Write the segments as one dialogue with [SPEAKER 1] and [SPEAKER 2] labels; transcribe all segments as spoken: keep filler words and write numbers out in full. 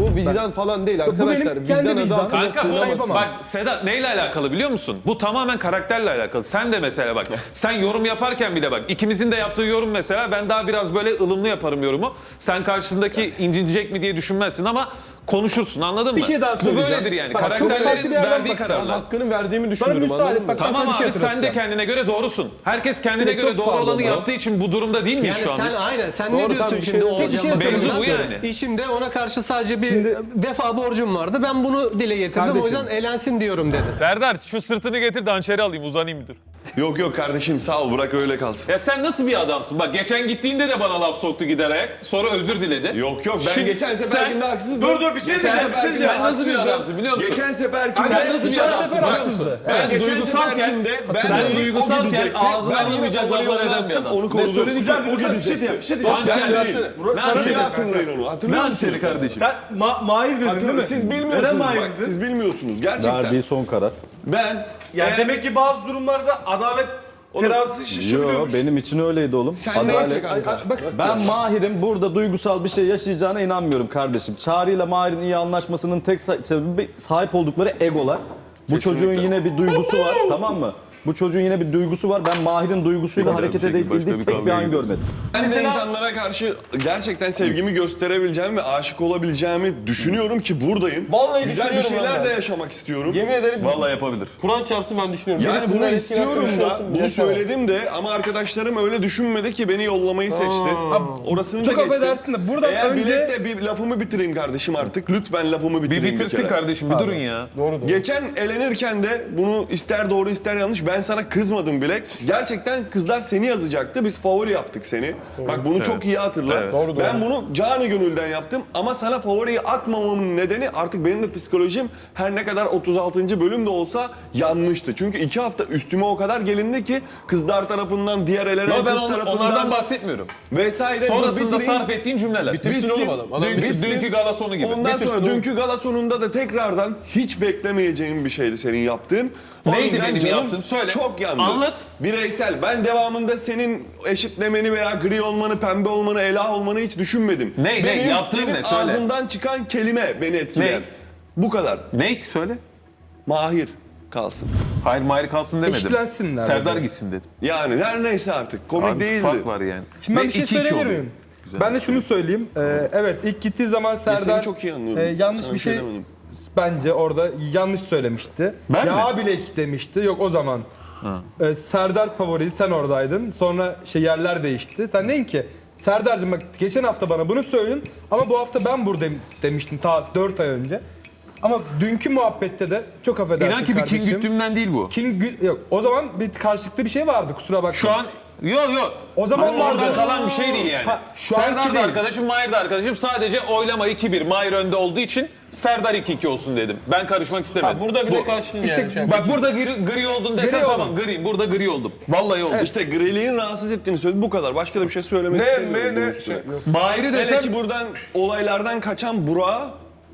[SPEAKER 1] bu vicdan falan değil arkadaşlar.
[SPEAKER 2] benim kendi
[SPEAKER 1] Vicdan adı
[SPEAKER 2] vicdanım.
[SPEAKER 1] altına
[SPEAKER 3] Kanka bu
[SPEAKER 1] sığınamaz.
[SPEAKER 3] bak Sedat neyle alakalı biliyor musun? Bu tamamen karakterle alakalı. Sen de mesela bak sen yorum yaparken bile bak ikimizin de yaptığı yorum mesela ben daha biraz böyle ılımlı yaparım yorumu. Sen karşındaki incinecek mi diye düşünmezsin ama konuşursun anladın
[SPEAKER 2] Bir
[SPEAKER 3] mı?
[SPEAKER 2] şey daha
[SPEAKER 3] Bu
[SPEAKER 2] söyleyeceğim.
[SPEAKER 3] böyledir yani.
[SPEAKER 2] Bak, çok farklı
[SPEAKER 3] Karakterlerin
[SPEAKER 2] bir yerden
[SPEAKER 3] verdiği
[SPEAKER 2] bakacağım.
[SPEAKER 1] Ben
[SPEAKER 3] kararlar.
[SPEAKER 1] hakkını verdiğimi
[SPEAKER 2] Bana
[SPEAKER 1] düşünüyorum
[SPEAKER 2] müsaade
[SPEAKER 1] anladın
[SPEAKER 2] et.
[SPEAKER 1] mı?
[SPEAKER 2] Bak, ben
[SPEAKER 3] Tamam
[SPEAKER 2] sana bir şey
[SPEAKER 3] abi sen de
[SPEAKER 2] hatırlatacağım.
[SPEAKER 3] kendine göre doğrusun. Herkes kendine
[SPEAKER 2] Direkt
[SPEAKER 3] göre
[SPEAKER 2] çok
[SPEAKER 3] doğru olanı
[SPEAKER 2] pardon.
[SPEAKER 3] yaptığı için bu durumda değil miyiz
[SPEAKER 4] Yani
[SPEAKER 3] şu an
[SPEAKER 4] sen
[SPEAKER 3] biz?
[SPEAKER 4] aynen sen
[SPEAKER 1] Doğru,
[SPEAKER 4] ne diyorsun
[SPEAKER 1] tabii,
[SPEAKER 4] şimdi
[SPEAKER 1] şey-
[SPEAKER 4] Oğulcan'la?
[SPEAKER 2] Tek bir şey
[SPEAKER 3] Mevzu bu
[SPEAKER 2] söyleyeceğim.
[SPEAKER 3] yani.
[SPEAKER 4] İçimde ona karşı sadece bir
[SPEAKER 2] Şimdi-
[SPEAKER 4] vefa borcum vardı. Ben bunu dile getirdim.
[SPEAKER 2] Kardeşim.
[SPEAKER 4] O yüzden elensin diyorum dedi.
[SPEAKER 3] Serdar şu sırtını getir de hançeri alayım uzanayım müdür.
[SPEAKER 5] Yok yok kardeşim sağ ol bırak öyle kalsın.
[SPEAKER 3] Ya sen nasıl bir adamsın? Bak geçen gittiğinde de bana laf soktu gider ayak. Sonra özür diledi.
[SPEAKER 5] Yok yok ben
[SPEAKER 3] Şimdi
[SPEAKER 5] geçen
[SPEAKER 3] sen-
[SPEAKER 5] seferkinde haksızdım.
[SPEAKER 1] Dur, dur, bir şey
[SPEAKER 5] Geçen
[SPEAKER 1] diyeceğim, bir şey
[SPEAKER 5] seferkinde
[SPEAKER 1] diyeceğim.
[SPEAKER 3] Sen nasıl bir
[SPEAKER 5] haksızdım.
[SPEAKER 3] adamsın biliyor musun?
[SPEAKER 5] Geçen seferkinde
[SPEAKER 3] Sen nasıl bir
[SPEAKER 2] Geçen
[SPEAKER 3] adamsın
[SPEAKER 2] sefer
[SPEAKER 3] biliyor musun?
[SPEAKER 2] haksızdı.
[SPEAKER 3] Sen
[SPEAKER 5] geçen
[SPEAKER 3] duygusalken,
[SPEAKER 5] seferkinde ben
[SPEAKER 3] sen
[SPEAKER 5] onu- o
[SPEAKER 3] duygusalken
[SPEAKER 5] gidecekti.
[SPEAKER 3] ağzına
[SPEAKER 5] Ben yine
[SPEAKER 3] alınmayacak
[SPEAKER 5] favori
[SPEAKER 3] laflar eden
[SPEAKER 5] olarak
[SPEAKER 3] bir adam.
[SPEAKER 5] Onu
[SPEAKER 1] Ne
[SPEAKER 5] korudum.
[SPEAKER 1] söyleyeceğim?
[SPEAKER 5] O
[SPEAKER 1] Bir şey
[SPEAKER 5] gidecek.
[SPEAKER 1] diyeyim, bir şey diyeyim.
[SPEAKER 3] Hançer
[SPEAKER 1] Sen
[SPEAKER 3] değil.
[SPEAKER 1] versene.
[SPEAKER 3] Ne
[SPEAKER 5] Sen
[SPEAKER 3] hançeri
[SPEAKER 5] iyi hatırlayın onu.
[SPEAKER 3] Ne
[SPEAKER 5] Hatırlıyor
[SPEAKER 3] hançeri
[SPEAKER 5] musunuz?
[SPEAKER 3] kardeşim?
[SPEAKER 1] Sen ma Mahir dedin değil mi?
[SPEAKER 5] Hatırlıyor- Siz
[SPEAKER 1] Neden
[SPEAKER 5] bilmiyorsunuz
[SPEAKER 1] Mahir
[SPEAKER 5] bak.
[SPEAKER 1] dedin?
[SPEAKER 5] Siz bilmiyorsunuz gerçekten.
[SPEAKER 6] Verdiği son karar.
[SPEAKER 5] Ben
[SPEAKER 1] Yani
[SPEAKER 5] eğer-
[SPEAKER 1] demek ki bazı durumlarda adalet terazisi
[SPEAKER 6] Yo,
[SPEAKER 1] şişebiliyormuş.
[SPEAKER 6] benim için öyleydi oğlum.
[SPEAKER 5] Sen neyse kanka.
[SPEAKER 6] Ben Mahir'in burada duygusal bir şey yaşayacağına inanmıyorum kardeşim. Çağrı ile Mahir'in iyi anlaşmasının tek sa- sebebi sahip oldukları egolar. Bu
[SPEAKER 5] Kesinlikle.
[SPEAKER 6] çocuğun yine bir duygusu var, tamam mı? Bu çocuğun yine bir duygusu var. Ben Mahir'in duygusuyla
[SPEAKER 3] Başka
[SPEAKER 6] hareket
[SPEAKER 3] bir şekilde,
[SPEAKER 6] edebildiği
[SPEAKER 3] başka bir
[SPEAKER 6] tek bir
[SPEAKER 3] kavgaya
[SPEAKER 6] an
[SPEAKER 3] gidiyoruz.
[SPEAKER 6] görmedim.
[SPEAKER 5] Ben de insanlara karşı gerçekten sevgimi gösterebileceğimi ve aşık olabileceğimi düşünüyorum ki buradayım.
[SPEAKER 1] Vallahi
[SPEAKER 5] Güzel bir
[SPEAKER 1] düşünüyorum
[SPEAKER 5] şeyler
[SPEAKER 1] ben
[SPEAKER 5] de
[SPEAKER 1] de.
[SPEAKER 5] yaşamak istiyorum.
[SPEAKER 1] Yemin ederim
[SPEAKER 3] Vallahi yapabilir.
[SPEAKER 1] Kur'an çarpsın ben düşünüyorum.
[SPEAKER 5] Yani
[SPEAKER 1] Birisinden
[SPEAKER 5] bunu
[SPEAKER 1] eski
[SPEAKER 5] istiyorum
[SPEAKER 1] versiyonu
[SPEAKER 5] da,
[SPEAKER 1] olsun,
[SPEAKER 5] bunu
[SPEAKER 1] yaşamam.
[SPEAKER 5] söyledim de ama arkadaşlarım öyle düşünmedi ki beni yollamayı seçti. Orasını da
[SPEAKER 2] Çok
[SPEAKER 5] geçtim.
[SPEAKER 2] affedersin de buradan
[SPEAKER 5] Eğer
[SPEAKER 2] önce-
[SPEAKER 5] birlikte bir lafımı bitireyim kardeşim artık. Lütfen lafımı
[SPEAKER 3] Bir
[SPEAKER 5] bitireyim bir,
[SPEAKER 3] bitirsin
[SPEAKER 5] kere.
[SPEAKER 3] kardeşim bir durun ya.
[SPEAKER 2] Doğru doğru.
[SPEAKER 5] Geçen elenirken de bunu ister doğru ister yanlış ben sana kızmadım bile. Gerçekten kızlar seni yazacaktı. Biz favori yaptık seni. Bak bunu çok iyi hatırla.
[SPEAKER 3] Evet.
[SPEAKER 2] Doğru, doğru.
[SPEAKER 5] Ben bunu canı gönülden yaptım ama sana favoriyi atmamamın nedeni artık benim de psikolojim her ne kadar otuz altıncı bölüm de olsa yanmıştı. Çünkü iki hafta üstüme o kadar gelindi ki kızlar tarafından, diğer elenen
[SPEAKER 3] Ama ben
[SPEAKER 5] kız
[SPEAKER 3] on-
[SPEAKER 5] tarafından
[SPEAKER 3] onlardan bahsetmiyorum.
[SPEAKER 5] vesaire.
[SPEAKER 3] Sonrasında
[SPEAKER 5] Bitireyim.
[SPEAKER 3] sarf ettiğin cümleler.
[SPEAKER 1] Bitirsin oğlum adam. Adam
[SPEAKER 3] Dünkü,
[SPEAKER 5] bitsin.
[SPEAKER 3] dünkü gala sonu gibi.
[SPEAKER 5] Ondan
[SPEAKER 3] Bitirsin
[SPEAKER 5] sonra
[SPEAKER 3] oğlum.
[SPEAKER 5] dünkü gala sonunda da tekrardan hiç beklemeyeceğim bir şeydi senin yaptığın. O
[SPEAKER 3] Neydi
[SPEAKER 5] yüzden
[SPEAKER 3] benim
[SPEAKER 5] canım
[SPEAKER 3] yaptığım? Söyle.
[SPEAKER 5] Çok yandı.
[SPEAKER 3] Anlat.
[SPEAKER 5] Bireysel. Ben devamında senin eşitlemeni veya gri olmanı, pembe olmanı, ela olmanı hiç düşünmedim.
[SPEAKER 3] Ne, ne?
[SPEAKER 5] Benim
[SPEAKER 3] Yaptığın
[SPEAKER 5] senin
[SPEAKER 3] ne? Söyle.
[SPEAKER 5] ağzından çıkan kelime beni etkiler.
[SPEAKER 3] Ne?
[SPEAKER 5] Bu kadar.
[SPEAKER 3] Ne? Söyle.
[SPEAKER 5] Mahir kalsın.
[SPEAKER 3] Hayır Mahir kalsın demedim.
[SPEAKER 2] Eşitlensinler
[SPEAKER 3] Serdar
[SPEAKER 2] dedi.
[SPEAKER 3] gitsin dedim.
[SPEAKER 5] Yani her neyse artık. Komik
[SPEAKER 3] Abi
[SPEAKER 5] değildi.
[SPEAKER 3] fark var yani.
[SPEAKER 2] Şimdi ben
[SPEAKER 3] Ve
[SPEAKER 2] bir şey
[SPEAKER 3] iki iki
[SPEAKER 2] söyleyebilir
[SPEAKER 3] oluyor.
[SPEAKER 2] miyim?
[SPEAKER 3] Güzel.
[SPEAKER 2] Ben de şunu söyleyeyim. Ee, evet ilk gittiği zaman
[SPEAKER 5] Ya seni
[SPEAKER 2] Serdar
[SPEAKER 5] çok iyi anlıyorum.
[SPEAKER 2] e, yanlış
[SPEAKER 5] Sana
[SPEAKER 2] bir şey
[SPEAKER 5] demedim.
[SPEAKER 2] bence orada yanlış söylemişti.
[SPEAKER 3] Ben
[SPEAKER 2] ya
[SPEAKER 3] mi?
[SPEAKER 2] bilek demişti. Yok o zaman. Ee, Serdar favoriydi sen oradaydın. Sonra şey yerler değişti. Sen deyin ki Serdar'cığım bak geçen hafta bana bunu söyledin ama bu hafta ben buradayım demiştin ta dört ay önce. Ama dünkü muhabbette de çok affedersin
[SPEAKER 3] İnan ki bir
[SPEAKER 2] kardeşim.
[SPEAKER 3] kin güttüğümden değil bu.
[SPEAKER 2] King gü- yok. O zaman bir karşılıklı bir şey vardı kusura bakma.
[SPEAKER 3] Şu an yok yok.
[SPEAKER 2] O zaman
[SPEAKER 3] Hani oradan
[SPEAKER 2] vardı.
[SPEAKER 3] kalan bir şey değil yani.
[SPEAKER 2] Ha, şu anki
[SPEAKER 3] Serdar da
[SPEAKER 2] değil.
[SPEAKER 3] arkadaşım, Mahir de arkadaşım. Sadece oylama iki bir. Mahir önde olduğu için Serdar iki iki olsun dedim. Ben karışmak istemedim.
[SPEAKER 1] Ha, burada bir
[SPEAKER 3] Bu-
[SPEAKER 1] de karşılığın
[SPEAKER 2] İşte
[SPEAKER 1] yani. Şey.
[SPEAKER 3] Bak burada gri, gri oldun desen
[SPEAKER 2] Gri
[SPEAKER 3] tamam
[SPEAKER 2] oldum.
[SPEAKER 3] griyim. Burada gri oldum. Vallahi oldum.
[SPEAKER 5] İşte griliğin rahatsız ettiğini söyledi. Bu kadar. Başka da bir şey söylemek
[SPEAKER 1] Ne,
[SPEAKER 5] istemiyorum.
[SPEAKER 1] ne,
[SPEAKER 5] bunun
[SPEAKER 1] ne?
[SPEAKER 5] üstüne.
[SPEAKER 1] Şey, yok.
[SPEAKER 3] Mahir'i
[SPEAKER 5] Hele
[SPEAKER 3] desem
[SPEAKER 5] ki buradan olaylardan kaçan Burak'a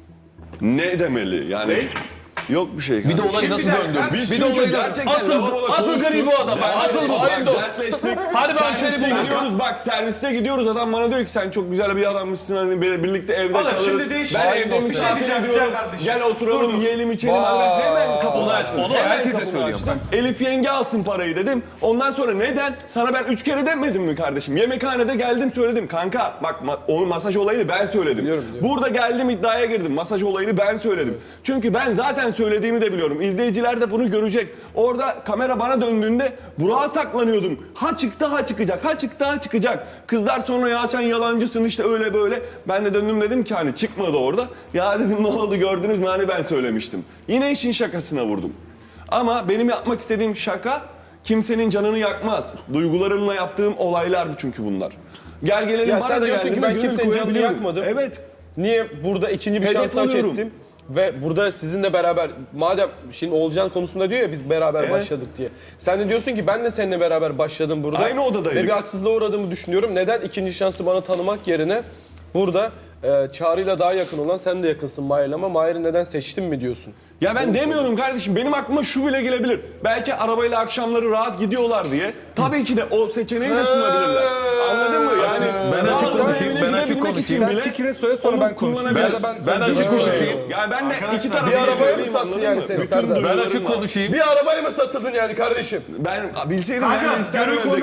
[SPEAKER 5] ne demeli? Yani yok bir şey.
[SPEAKER 3] bir de olayı
[SPEAKER 1] Şimdi
[SPEAKER 3] nasıl
[SPEAKER 1] bir dakika,
[SPEAKER 3] döndürdün?
[SPEAKER 5] Biz
[SPEAKER 3] Bir de
[SPEAKER 5] çünkü
[SPEAKER 3] olayı
[SPEAKER 5] gerçekten
[SPEAKER 3] asıl
[SPEAKER 5] lavaboda
[SPEAKER 3] asıl
[SPEAKER 5] konuştuk.
[SPEAKER 3] gri bu adam. Bak, Asıl bu.
[SPEAKER 5] Bak,
[SPEAKER 3] Hayır dost.
[SPEAKER 5] dertleştik.
[SPEAKER 3] Hadi ben
[SPEAKER 5] Serviste
[SPEAKER 3] seni buldum.
[SPEAKER 5] gidiyoruz bak serviste gidiyoruz adam bana diyor ki sen çok güzel bir adammışsın hani bir- birlikte evde
[SPEAKER 1] Oğlum,
[SPEAKER 5] kalırız.
[SPEAKER 1] şimdi değişik.
[SPEAKER 5] Ben
[SPEAKER 1] Hayır
[SPEAKER 5] evde
[SPEAKER 1] dost, bir şey
[SPEAKER 5] misafir
[SPEAKER 1] diyeceğim,
[SPEAKER 5] ediyorum.
[SPEAKER 1] güzel kardeşim.
[SPEAKER 5] Gel oturalım
[SPEAKER 1] Dur, dur.
[SPEAKER 5] yiyelim içelim.
[SPEAKER 1] Vay.
[SPEAKER 5] Hemen kapını açtım.
[SPEAKER 3] onu
[SPEAKER 5] Hemen
[SPEAKER 3] herkese
[SPEAKER 5] kapını
[SPEAKER 3] söylüyorum
[SPEAKER 5] açtım. Elif yenge alsın parayı dedim. Ondan sonra neden? Sana ben üç kere demedim mi kardeşim? Yemekhanede geldim söyledim. Kanka bak ma- onun masaj olayını ben söyledim. Burada geldim iddiaya girdim. Masaj olayını ben söyledim. Çünkü ben zaten söylediğimi de biliyorum. İzleyiciler de bunu görecek. Orada kamera bana döndüğünde Burak'a saklanıyordum. Ha çıktı ha çıkacak. Ha çıktı ha çıkacak. Kızlar sonra ya sen yalancısın işte öyle böyle. Ben de döndüm dedim ki hani çıkmadı orada. Ya dedim ne oldu gördünüz mü hani ben söylemiştim. Yine işin şakasına vurdum. Ama benim yapmak istediğim şaka kimsenin canını yakmaz. Duygularımla yaptığım olaylar çünkü bunlar. Gel gelelim
[SPEAKER 1] Ya
[SPEAKER 5] bana
[SPEAKER 1] sen
[SPEAKER 5] da
[SPEAKER 1] diyorsun
[SPEAKER 5] geldi
[SPEAKER 1] ki
[SPEAKER 5] mi
[SPEAKER 1] ben
[SPEAKER 5] gönül
[SPEAKER 1] kimsenin canını
[SPEAKER 5] koyabiliyorum.
[SPEAKER 1] yakmadım.
[SPEAKER 5] Evet.
[SPEAKER 1] Niye burada ikinci bir
[SPEAKER 5] Hedef
[SPEAKER 1] şans hak
[SPEAKER 5] alıyorum.
[SPEAKER 1] ettim? Ve burada sizinle beraber, madem şimdi Oğulcan konusunda diyor ya biz beraber
[SPEAKER 5] Evet.
[SPEAKER 1] başladık diye. Sen de diyorsun ki ben de seninle beraber başladım burada.
[SPEAKER 5] Aynı odadaydık.
[SPEAKER 1] Ve bir haksızlığa uğradığımı düşünüyorum. Neden ikinci şansı bana tanımak yerine burada Ee, Çağrı'yla daha yakın olan sen de yakınsın Mahir'le ama Mahir'i neden seçtin mi diyorsun?
[SPEAKER 5] Ya ben demiyorum kardeşim. Benim aklıma şu bile gelebilir. Belki arabayla akşamları rahat gidiyorlar diye. Tabii ki de o seçeneği de sunabilirler. Anladın mı? Yani
[SPEAKER 3] Ben açık
[SPEAKER 5] bazıları
[SPEAKER 3] konuşayım,
[SPEAKER 5] evine
[SPEAKER 3] ben açık
[SPEAKER 5] gidebilmek için
[SPEAKER 3] konuşayım.
[SPEAKER 2] Sen
[SPEAKER 5] bile
[SPEAKER 2] fikrini söyle sonra
[SPEAKER 5] onu
[SPEAKER 2] ben konuşayım.
[SPEAKER 5] kullanabilir.
[SPEAKER 2] Ya da ben,
[SPEAKER 3] Ben açık
[SPEAKER 5] Hiçbir şey
[SPEAKER 3] konuşayım.
[SPEAKER 5] yok. Yani ben de iki tarafı
[SPEAKER 1] bir arabaya mı
[SPEAKER 5] söyleyeyim,
[SPEAKER 1] sattı
[SPEAKER 5] anladın
[SPEAKER 1] yani
[SPEAKER 5] mı?
[SPEAKER 1] seni
[SPEAKER 5] Bütün
[SPEAKER 1] Serdar?
[SPEAKER 3] Ben
[SPEAKER 5] duygularımla.
[SPEAKER 3] açık konuşayım.
[SPEAKER 1] Bir arabaya mı satıldın yani kardeşim?
[SPEAKER 5] Ben bilseydim
[SPEAKER 7] Kanka,
[SPEAKER 5] ben de isterdim
[SPEAKER 7] günün
[SPEAKER 5] evde
[SPEAKER 7] konusu